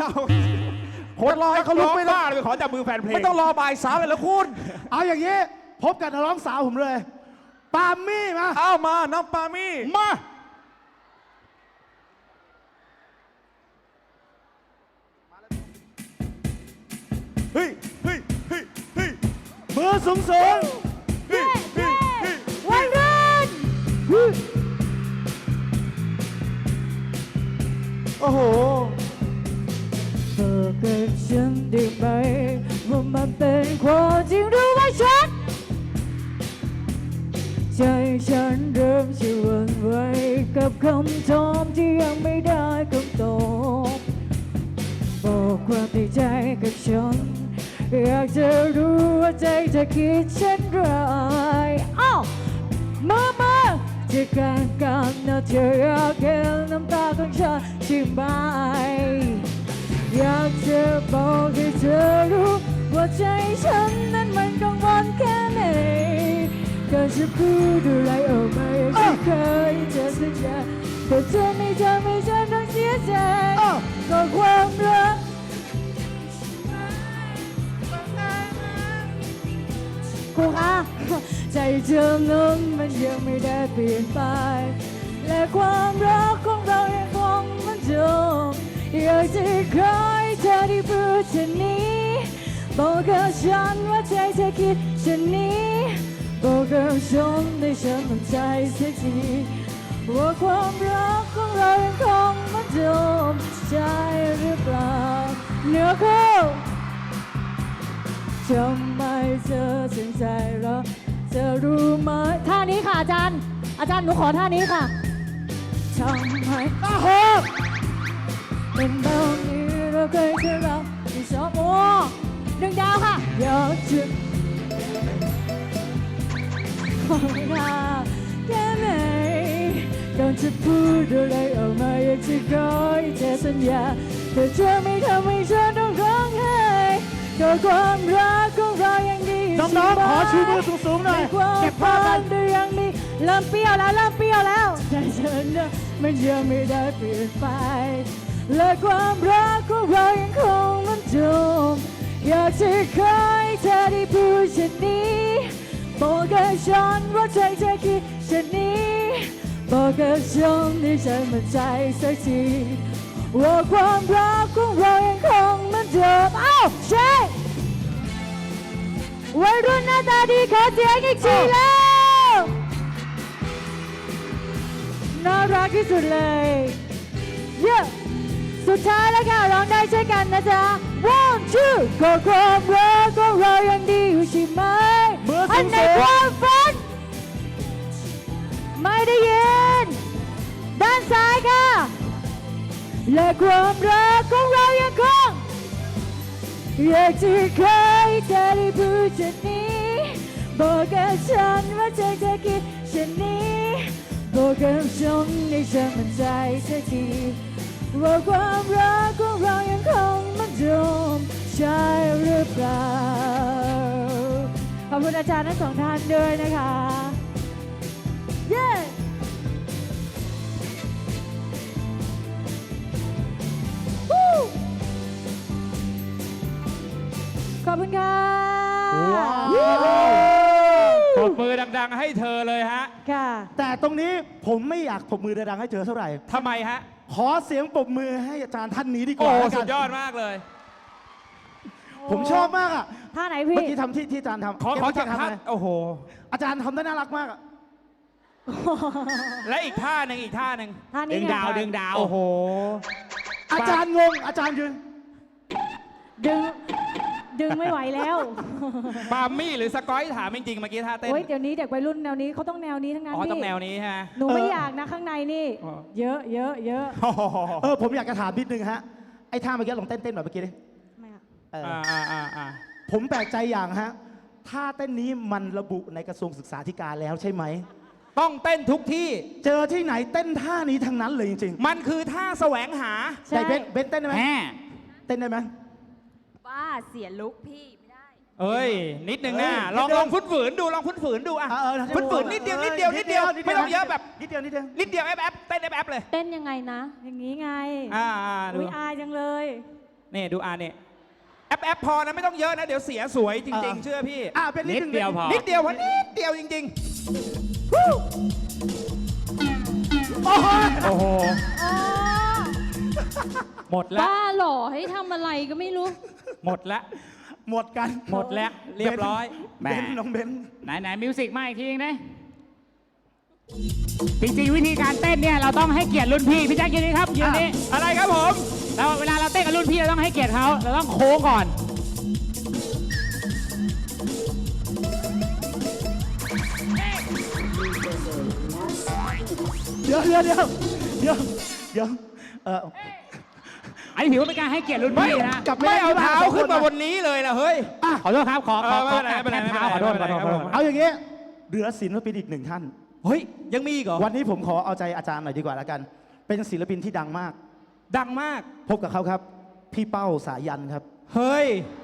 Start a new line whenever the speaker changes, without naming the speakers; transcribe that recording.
คนรอให้เขาลุกไม่ได้
เลยขอจับมือแฟนเพลง
ไม่ต้องรอบ่ายสามเลยแล้วคุณเอาอย่างนี้พบกับนักร้องสาวผมเลยปามี่มาเอามาน้องปามี่มาเฮ้ยเฮ้ยเฮ้ยเฮ้ยมือสูงสูง
วัยรุ่น
โอ้โห
บอกกับฉันได้ไหมว่ามันเป็นความจริงหรือว่าฉันใจฉันเริ่มจะหวั่นไหวกับคำถามที่ยังไม่ได้คำตอบบอกความในใจกับฉันอยากจะรู้ว่าใจเธอคิดเช่นไรอ้าวมาจะกันนะเธออยากเห็นน้ำตาของฉันใช่ไหมอยากจะบอกให้เธอรู้ว่าใจฉันนั้นมันกังวลแค่ไหนก็จะพูดอะไรออกมาอย่างที่เคยจะสัญญาแต่เธอไม่ทำให้ฉันต้องเสียใจก็ความรักครูคะใจเธอนั้นมันยังไม่ได้เปลี่ยนไปและความรักของเรายังคงเหมือนเดิมอยากจะขอให้เธอได้พูดเช่นนี้บอกกับฉันว่าใจเธอคิดเช่นนี้บอกกับฉันให้ฉันมั่นใจสักทีว่าความรักของเรายังคงเหมือนเดิมใช่หรือเปล่าเนื้อคู่ทำไมเธอถึงใจเราเธอรู้ไหมท่านี้ค่ะอาจารย์หนูขอท่านี้ค่ะทำไมโอ้โหเป็นแบบนี้เราเคยเจอเราที่ชอบโอ้1 ดาวค่ะอยากจะขอเวลาแค่ไหนก่อนจะพูดอะไรออกมาอยากจะขอให้เธอสัญญาแต่เธอไม่ทำให้ฉันต้องร้องไห้ก็ความรักของเรายังดี
น้องๆขอชูมือสูงๆหน่อยเก็บภาพกัน
ยังมีเริ่มเปรี้ยวแล้วใจฉันน่ะมันยังไม่ได้เปลี่ยนไปและความรักของเรายังคงเหมือนเดิมอยากจะขอให้เธอได้พูดเช่นนี้บอกกับฉันว่าใจเธอคิดเช่นนี้บอกกับฉันให้ฉันมั่นใจสักทีว่าความรักของเรายังคงเหมือนเดิมอ้าวใช่วัยรุ่นหน้าตาดีขอเสียงอีกทีแล้วน่ารักที่สุดเลยเยอะสุดท้ายแล้วค่ะร้องได้ใช่กันนะจ๊ะ One two ก็ความรักของเรายังดีอยู่ใช่ไหมอันในความฝันไม่ได้ยินด้านซ้ายค่ะและความรักของเรายังคงอยากจะขอให้เธอได้พูดเช่นนี้บอกกับฉันว่าใจเธอคิดเช่นนี้บอกกับฉันให้ฉันมั่นใจสักทีว่าความรักของเรายังคงเหมือนเดิมใช่หรือเปล่าขอบคุณอาจารย์ทั้ง2 ท่านด้วยนะคะเย้ขอบคุณค่ะ
ปรบมือดังๆให้เธอเลยฮะ
ค่ะ
แต่ตรงนี้ผมไม่อยากปรบมือดังๆให้เธอเท่าไหร่
ทำไมฮะ
ขอเสียงปรบมือให้อาจารย์ท่านนี้ดีกว่า
โอ้สุดยอดมากเลย
ผมชอบมากอ่ะ
ท่าไหนพี่
เมื่อกี้ทำที่อาจารย์ทำ
ขอจากท่าโอ้โห
อาจารย์ทำได้น่ารักมากอ่ะ
และอีกท่าหนึ่งดึงดาวโอ้โห
อาจารย์งงอาจารย์ยืน
ดึงไม่ไหวแล้ว
ปามี่หรือสกอยถามจริงๆเมื่อกี้ท่าเต้น
โอ้ยเดี๋ยวนี้เด็กวัยรุ่นแนวนี้เขาต้องแนวนี้ทั้งนั้น
ต้องแนวนี้ฮะ
หนูไม่อยากนะข้างในนี่เยอะ
ผมอยากจะถามนิดนึงฮะไอ้ท่าเมื่อกี้ลองเต้นแบบเมื่อกี้ดิ
ไม่อะ
ผมแปลกใจอย่างฮะท่าเต้นนี้มันระบุในกระทรวงศึกษาธิการแล้วใช่ไหม
ต้องเต้นทุกที่
เจอที่ไหนเต้นท่านี้ทั้งนั้นเลยจริง
ๆมันคือท่าแสวงหา
แต่เบนเต้นได้ไหมเต้นได้ไหม
บ้าเสียลุกพี่ไม่ได้
เอ้ยนิดนึงนะลองฟื้นฝืนดูอ่ะฟื้นฝืนนิดเดียวไม่ต้องเยอะแบบ
นิดเดียว
แอปเต้นแอปเลย
เต้นยังไงนะอย่างนี้ไงอุ้ยอายจังเลย
นี่ดูเนี่ยแอปพอนะไม่ต้องเยอะนะ เดี๋ยวเสียสวยจริง ๆ เชื่อพี่
เป็นนิด
นิดเดียวพอนิดเดียวจริง
โอ้โห
ๆ โอ้โห หมดแล้ว
บ้าเหรอให้ทำอะไรก็ไม่รู้
หมดแล้ว
หมดกัน
หมดแล้ว เรียบร้อย
เบนน้องเบน
ไหนมิวสิกมาอีกทีนึงนะจริงๆวิธีการเต้นเนี่ยเราต้องให้เกียรติรุ่นพี่พี่แจ็คยืนนี่ครับยืนนี่
อะไรครับผม
เราเวลาเราเต้นกับรุ่นพี่เราต้องให้เกียรติเขาเราต้องโค้งก่อน
เดี๋ยว
อันนี้ถือว่าเป็นการให้เกียรติรุ่นพี่นะ
กลับ
ไม่เอา
ด้
เท้าขึ้นมาบนนี้เลยนะเฮ้ย
ขอโทษครับขอ
ไม่เป็นไร
แทนเท้าขอโทษ
เอาอย่างงี้เหลือศิลปินอีกหนึ่งท่าน
เฮ้ย ยังมีอีกเหรอ
วันนี้ผมขอเอาใจอาจารย์หน่อยดีกว่าแล้วกัน เป็นศิลปินที่ดังมาก
ดังมาก
พบกับเขาครับ พี่เป้าสายันครับ
เฮ้ย